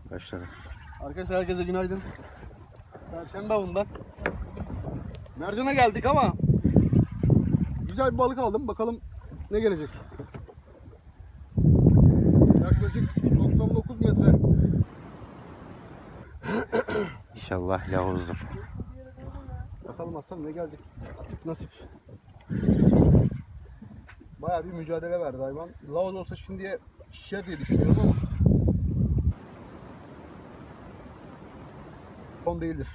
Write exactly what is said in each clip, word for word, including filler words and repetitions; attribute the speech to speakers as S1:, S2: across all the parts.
S1: Başladı.
S2: Arkadaşlar herkese günaydın. Perşembe avından mercana geldik ama güzel bir balık aldım. Bakalım ne gelecek. Yaklaşık doksan dokuz metre.
S1: İnşallah lavuzdur.
S2: Bakalım aslan ne gelecek. Artık nasip. Bayağı bir mücadele verdi hayvan. Lavuz olsa şimdiye şişer diye düşünüyorum ama son değildir.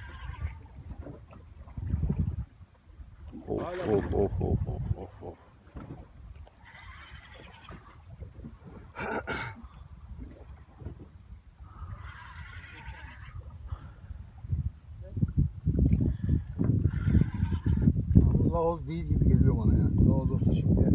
S1: Of of of of of of of.
S2: Lavuz değil gibi geliyor bana ya. Lavuz olsa şimdiye.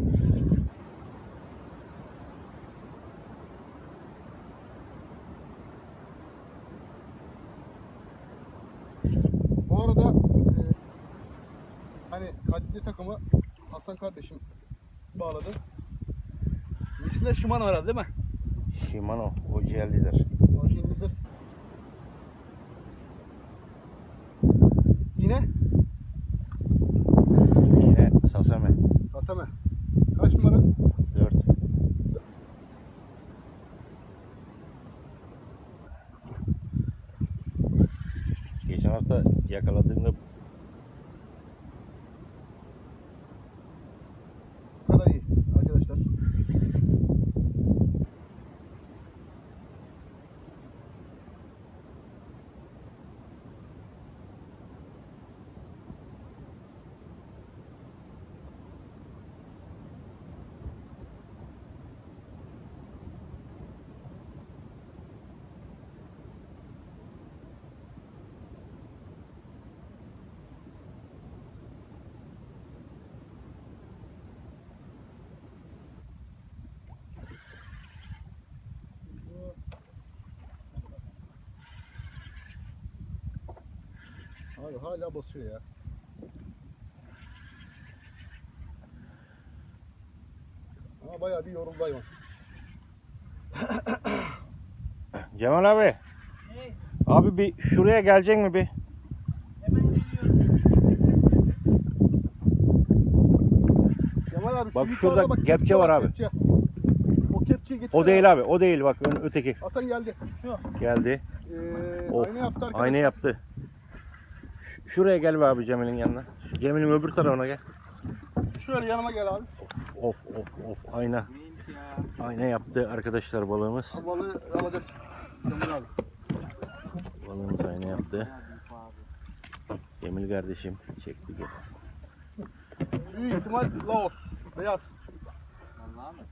S2: Bu arada e, hani kadide takımı Hasan kardeşim bağladı. Misle Shimano herhalde değil mi?
S1: Shimano o jellidir.
S2: Orijinlidir. Yine
S1: Yine Sasame.
S2: Sasame. Kaç numara?
S1: dört. Geçen hafta yakaladığımda
S2: Bu kadar iyi arkadaşlar. Abi hala basıyor ya. Ama bayağı bir yoruldu hayvan.
S1: Cemal abi.
S3: Hey,
S1: Abi bir şuraya gelecek mi bir?
S3: hemen geliyorum.
S2: Kemal abi şu
S1: Bak
S2: yukarıda
S1: şurada
S2: bak,
S1: kepçe var abi.
S2: Kepçe. O kepçeyi getirsene.
S1: O değil abi, o değil bak ön öteki.
S2: Hasan geldi.
S3: Şu.
S1: Geldi.
S2: Ee,
S1: Of,
S2: aynı yaptı arkadaşlar.
S1: Aynı yaptı. Ş- Şuraya gel be abi Cemil'in yanına. Cemil'in öbür tarafına gel.
S2: Şöyle yanıma gel abi.
S1: Of of of ayna.
S3: Neymiş ya?
S1: Ayna yaptı arkadaşlar balığımız.
S2: Abi balığı alacağız. Kemal abi.
S1: Balığımız ayna yaptı. Cemil kardeşim çekti gel.
S2: Büyük ihtimal Laos. Beyaz.
S3: Vallahi mı?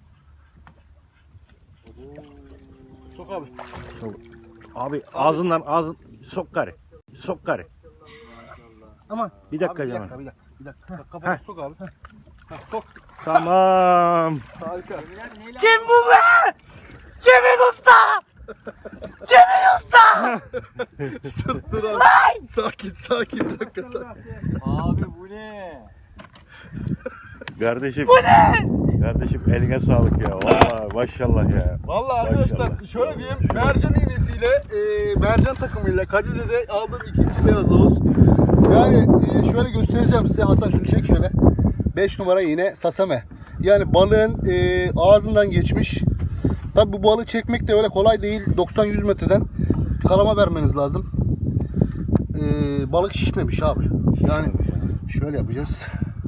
S2: Sok abi.
S1: Sok. Abi ağzından ağzın sok karı. Sok karı.
S2: Aman.
S1: Bir dakika
S2: abi, bir
S1: Cemal.
S2: dakika, bir dakika. Bir dakika. Bak, kafanı
S1: Heh.
S2: sok abi. Heh, sok.
S1: Tamam.
S2: Harika.
S1: Kim bu be? Cemil Usta! Cemil Usta!
S2: dur dur abi. Sakin sakin. Bir dakika sakin.
S3: Abi bu ne?
S1: Kardeşim. Bu ne? Kardeşim eline sağlık ya. Vallahi maşallah ya.
S2: Vallahi arkadaşlar
S1: Maşallah.
S2: şöyle diyeyim. Mercan iğnesiyle e, mercan takımıyla Kadide'de aldığım ikinci beyaz Laos. Yani e, şöyle göstereceğim size. Hasan şunu çek şöyle. beş numara iğne Sasame. Yani balığın e, ağzından geçmiş. Tabi bu balığı çekmek de öyle kolay değil. doksan yüz metreden kalama vermeniz lazım. E, balık şişmemiş abi. Yani şöyle yapacağız.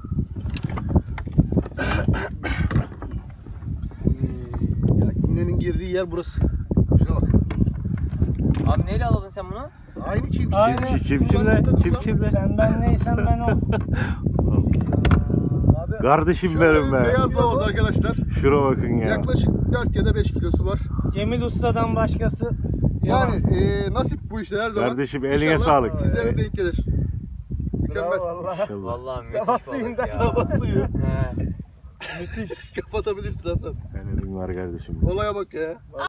S2: E, ya iğnenin girdiği yer burası. Şuna bak.
S3: Abi neyle aladın sen bunu?
S2: Aynı çift.
S3: Aynen.
S1: Çiftçimle, çiftçimle.
S3: Sen ben neysem ben o.
S2: Abi,
S1: Kardeşim
S2: şöyle
S1: benim
S2: bir
S1: be.
S2: beyaz Laos arkadaşlar.
S1: Şuna bakın ya.
S2: Yaklaşık dört ya da beş kilosu var.
S3: Cemil Usta'dan başkası.
S2: Yani e, nasip bu işte her zaman.
S1: Kardeşim, eline
S2: İnşallah
S1: sağlık.
S2: Sizlere denk gelir. Mükemmel.
S3: Vallahi.
S1: İnşallah.
S3: Vallahi müthiş
S2: Sabah
S3: balık
S2: suyunda
S3: ya.
S2: sabah suyu.
S3: He.
S2: Müthiş. Kapatabilirsin Hasan.
S1: Helal var kardeşim.
S2: Olaya bak ya.